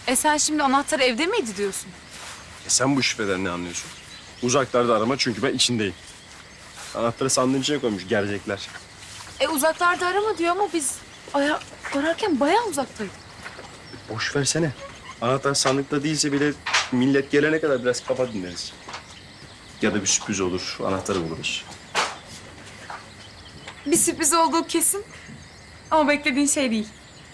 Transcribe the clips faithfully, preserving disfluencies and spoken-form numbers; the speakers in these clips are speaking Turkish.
E sen şimdi anahtar evde miydi diyorsun? E sen bu şifreden ne anlıyorsun? Uzaklarda arama çünkü ben içindeyim. Anahtarı sandığın içine koymuş gelecekler. E uzaklarda arama diyor ama biz aya ararken bayağı uzaktaydık. Boş versene. Anahtar sandıkta değilse bile millet gelene kadar biraz kafa dinleriz. Ya da bir sürpriz olur, anahtarı buluruz. Bir sürpriz olduğu kesin. Ama beklediğin şey değil.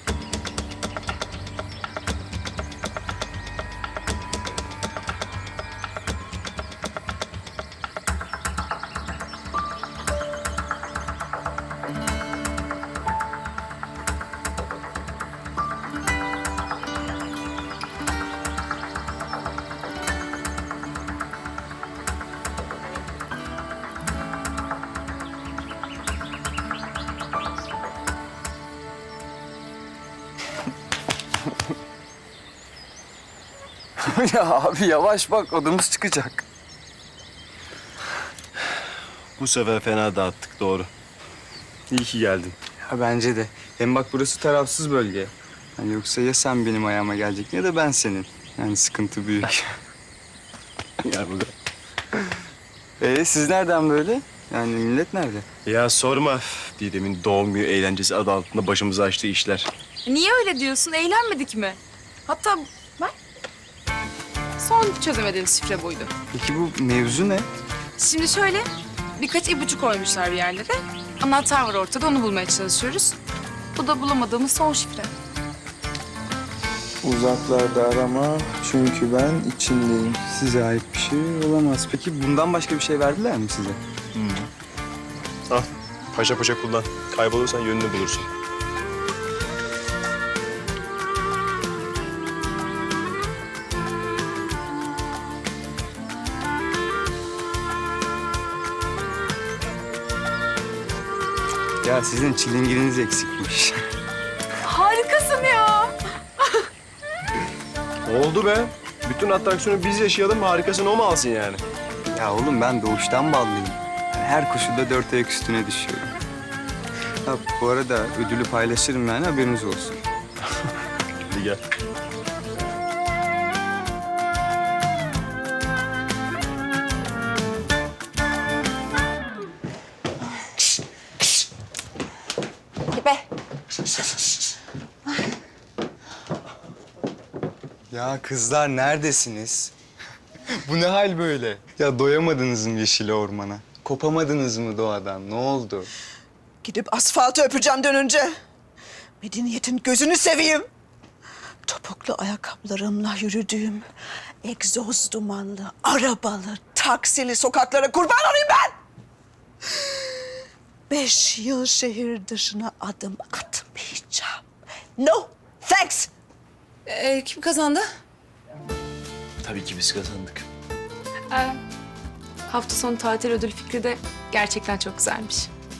Ya abi yavaş bak odamız çıkacak. Bu sefer fena dağıttık, doğru. İyi ki geldin. Ya bence de. Hem bak burası tarafsız bölge. Hani yoksa ya sen benim ayağıma gelecektin ya da ben senin. Yani sıkıntı büyük. Gel burada. Ee siz nereden böyle? Yani millet nerede? Ya sorma. Didem'in doğum günü eğlencesi adı altında başımıza açtığı işler. Niye öyle diyorsun? Eğlenmedik mi? Hatta bak son çözemediğimiz şifre buydu. Peki bu mevzu ne? Şimdi şöyle birkaç ipucu koymuşlar bir yerlere. Anahtar var ortada, onu bulmaya çalışıyoruz. Bu da bulamadığımız son şifre. Uzaklarda arama çünkü ben içindeyim. Size ait bir şey olamaz. Peki bundan başka bir şey verdiler mi size? Al, paşa paşa kullan. Kaybolursan yönünü bulursun. Ya sizin çilingiriniz eksikmiş. Harikasın ya. Oldu be. Bütün atraksiyonu biz yaşayalım, harikasını o mu alsın yani? Ya oğlum ben doğuştan ballıyım. Yani her koşulda dört ayak üstüne düşüyorum. Ha, bu arada ödülü paylaşırım yani haberiniz olsun. Hadi gel. Be. Ya kızlar neredesiniz? Bu ne hal böyle? Ya doyamadınız mı yeşil ormana? Kopamadınız mı doğadan? Ne oldu? Gidip asfaltı öpeceğim dönünce. Medeniyetin gözünü seveyim. Topuklu ayakkabılarımla yürüdüğüm egzoz dumanlı, arabalı, taksili sokaklara kurban olayım ben. Beş yıl şehir dışına adım atmayacağım. No, thanks. Ee, kim kazandı? Tabii ki biz kazandık. Ee, hafta sonu tatil ödül fikri de gerçekten çok güzelmiş.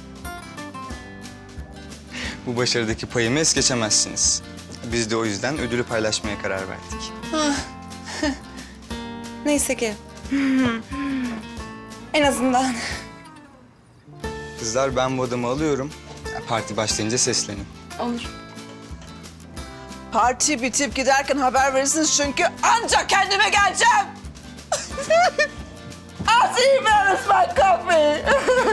Bu başarıdaki payımı es geçemezsiniz. Biz de o yüzden ödülü paylaşmaya karar verdik. Neyse ki. En azından. Kızlar ben bu adamı alıyorum. Ya, parti başlayınca seslenin. Olur. Parti bitip giderken haber verirsiniz çünkü ancak kendime geleceğim. I'll see you man, it's my coffee.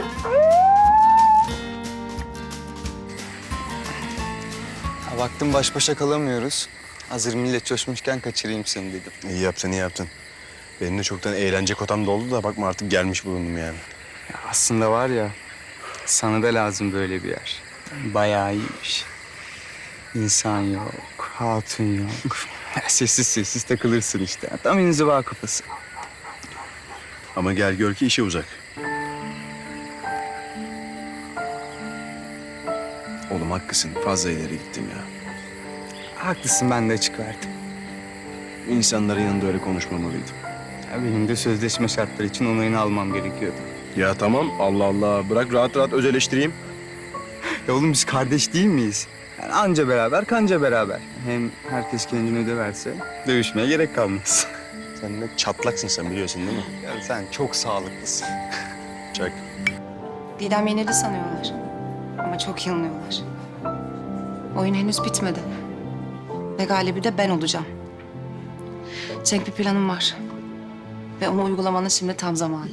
Ha, baktım baş başa kalamıyoruz. Hazır millet coşmuşken kaçırayım seni dedim. İyi yaptın, iyi yaptın. Benim de çoktan eğlence kotam doldu da bakma artık gelmiş bulundum yani. Ya aslında var ya, sana da lazım böyle bir yer. Bayağı iyiymiş. İnsan yok, hatun yok. Sessiz sessiz takılırsın işte. Tam inziva kafası. Ama gel gör ki işe uzak. Oğlum haklısın, fazla ileri gittim ya. Haklısın, ben de açık verdim. İnsanların yanında öyle konuşmamalıydım. Ya benim de sözleşme şartları için onayını almam gerekiyordu. Ya tamam, Allah Allah. Bırak rahat rahat öz eleştireyim. Ya oğlum biz kardeş değil miyiz? Yani anca beraber, kanca beraber. Hem herkes kendini döverse dövüşmeye gerek kalmaz. Sen de çatlaksın sen biliyorsun değil mi? Ya sen çok sağlıklısın. Çak. Didem yenildi sanıyorlar. Ama çok yanılıyorlar. Oyun henüz bitmedi. Ve galibi de ben olacağım. Cenk, bir planım var. Ve onu uygulamanın şimdi tam zamanı.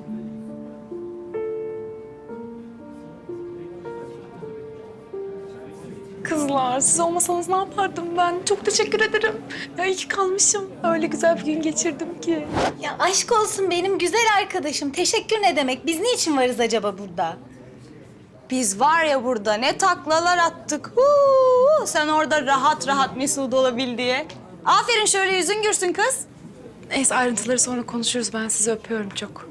Kızlar, siz olmasanız ne yapardım ben? Çok teşekkür ederim. Ya iyi ki kalmışım. Öyle güzel bir gün geçirdim ki. Ya aşk olsun benim güzel arkadaşım. Teşekkür ne demek? Biz niçin varız acaba burada? Biz var ya burada ne taklalar attık. Huu, sen orada rahat rahat mesut olabil diye. Aferin, şöyle yüzün gürsün kız. Neyse, ayrıntıları sonra konuşuruz. Ben sizi öpüyorum çok.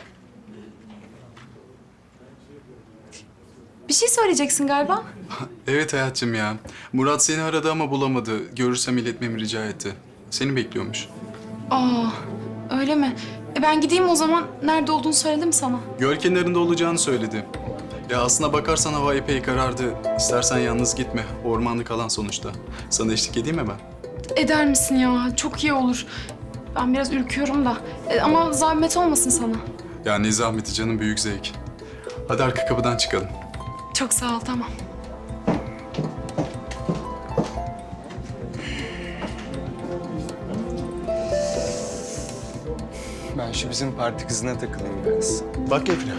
Bir şey söyleyeceksin galiba. Evet hayatım ya. Murat seni aradı ama bulamadı. Görürsem iletmemi rica etti. Seni bekliyormuş. Aa, öyle mi? E ben gideyim o zaman. Nerede olduğunu söyledim sana. Göl kenarında olacağını söyledi. Ya aslına bakarsan hava epey karardı. İstersen yalnız gitme. Ormanlık alan sonuçta. Sana eşlik edeyim mi ben? Eder misin ya? Çok iyi olur. Ben biraz ürküyorum da. E, ama zahmet olmasın sana. Ya ne zahmeti canım, büyük zevk. Hadi arka kapıdan çıkalım. Çok sağ ol, tamam. Ben şu bizim parti kızına takılayım biraz. Bak Efna.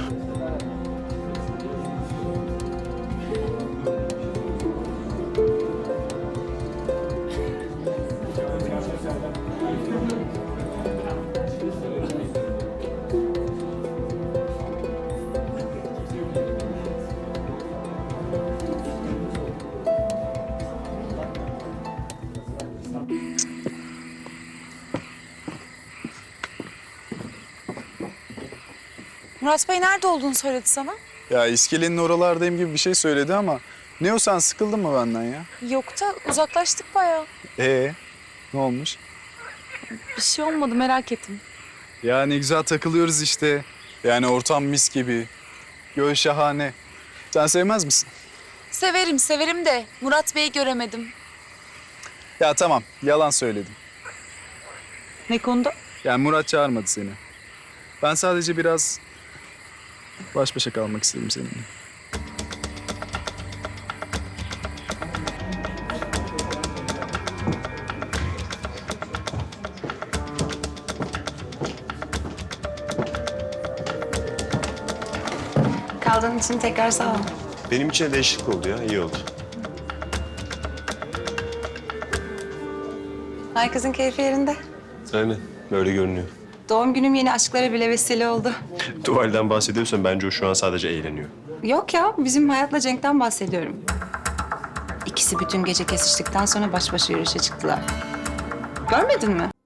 Murat Bey nerede olduğunu söyledi sana. Ya iskelenin oralardayım gibi bir şey söyledi ama... Ne o, sen sıkıldın mı benden ya? Yok da uzaklaştık bayağı. Ee, ne olmuş? Bir şey olmadı, merak ettim. Ya ne güzel takılıyoruz işte. Yani ortam mis gibi. Göl şahane. Sen sevmez misin? Severim, severim de Murat Bey'i göremedim. Ya tamam, yalan söyledim. Ne konuda? Yani Murat çağırmadı seni. Ben sadece biraz baş başa kalmak istedim seninle. Kaldığın için tekrar sağ ol. Benim için de değişiklik oldu ya. İyi oldu. Herkesin keyfi yerinde. Aynen. Böyle görünüyor. Doğum günüm yeni aşklara bile vesile oldu. Tuvalden bahsediyorsan bence o şu an sadece eğleniyor. Yok ya, bizim Hayat'la Cenk'ten bahsediyorum. İkisi bütün gece kesiştikten sonra baş başa yürüyüşe çıktılar. Görmedin mi?